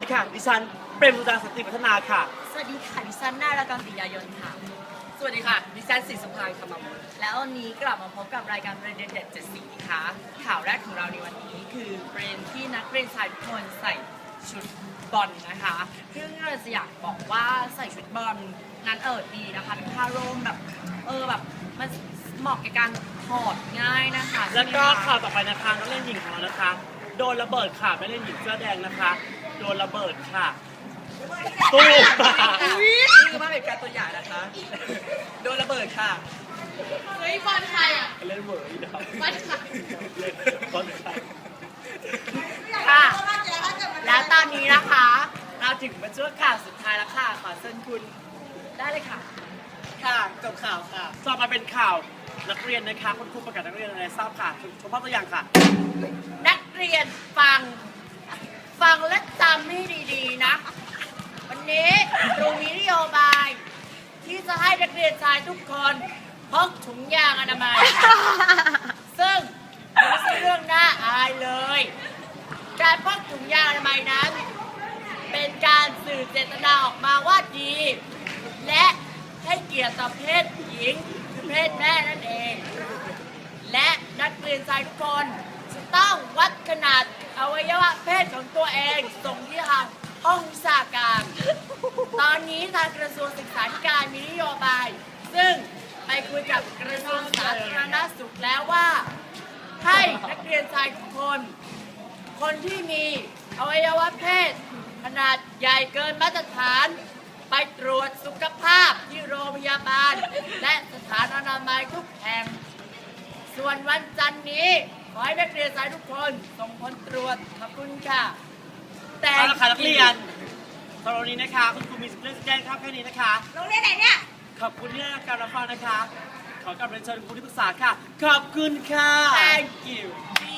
ค่ะ ดิฉันเปรมสุดาสนติพัฒนาค่ะสวัสดีค่ะดิฉันนารากรติยายนค่ะสวัสดีค่ะ ดิฉันศรีสมภารคำมลแล้ววันนี้กลับมาพบกับรายการประเด็นเด็ด7สีค่ะข่าวแรกของเราในวันนี้คือประเด็นที่นักเรียนชายทุกคนใส่ชุดบอลนะคะซึ่งเราจะอยากบอกว่าใส่ชุดบอลนั้นดีนะคะเป็นผ้าร่มแบบแบบมันเหมาะกับการถอดง่ายนะคะแล้วก็ใช่ไหมข่าคะวต่อไปนะคะนักเล่นหญิงของเรานะคะ โดนระเบิดค่ะไม่เล่นหญิงเสื้อแดงนะคะ โดนระเบิดค่ะตู้มนี่คือภาพเหตุการณ์ตัวอย่างนะคะ โดนระเบิดค่ะเฮ้ยบอลใครอ่ะเล่นเวอร์อีกแล้วบอลใครเล่นบอลใครค่ะแล้วตอนนี้นะคะเราถึงมาช่วงข่าวสุดท้ายแล้วค่ะขอเชิญคุณได้เลยค่ะค่ะจบข่าวค่ะต่อมาเป็นข่าวนักเรียนนะคะคุณครูประกาศนักเรียนอะไรทราบค่ะชมภาพตัวอย่างค่ะนักเรียนฟังและจำให้ดีๆนะ วันนี้ครูมีนโยบาย ที่จะให้นักเรียนชายทุกคนพกถุงยางอนามัย ซึ่งไม่ใช่เรื่องน่าอายเลย การพกถุงยางอนามัยนั้น เป็นการสื่อเจตนาออกมาว่าดี และให้เกียรติต่อเพศหญิงคือเพศแม่นั่นเอง และนักเรียนชายทุกคนจะต้องวัดขนาดอวัยวะเพศของตัวเองส่งที่ทางห้องวิชาการ ตอนนี้ทางกระทรวงศึกษาธิการมีนโยบาย ซึ่งไปคุยกับกระทรวงสาธารณสุขแล้วว่า ให้นักเรียนชายทุกคน คนที่มีอวัยวะเพศขนาดใหญ่เกินมาตรฐาน ไปตรวจสุขภาพที่โรงพยาบาล และสถานอนามัยทุกแห่ง ส่วนวันจันทร์นี้ ขอให้นักเรียนชายทุกคนส่งผลตรวจขอบคุณค่ะ แต่เอาละค่ะนักเรียนสำหรับวันนี้นะคะคุณครูมีเรื่องแจ้งครับแค่นี้นะคะโรงเรียนไหนเนี่ยขอบคุณที่ให้การรับฟังนะคะ ขอกลับเรียนเชิญครูที่ปรึกษาค่ะ ขอบคุณค่ะ Thank you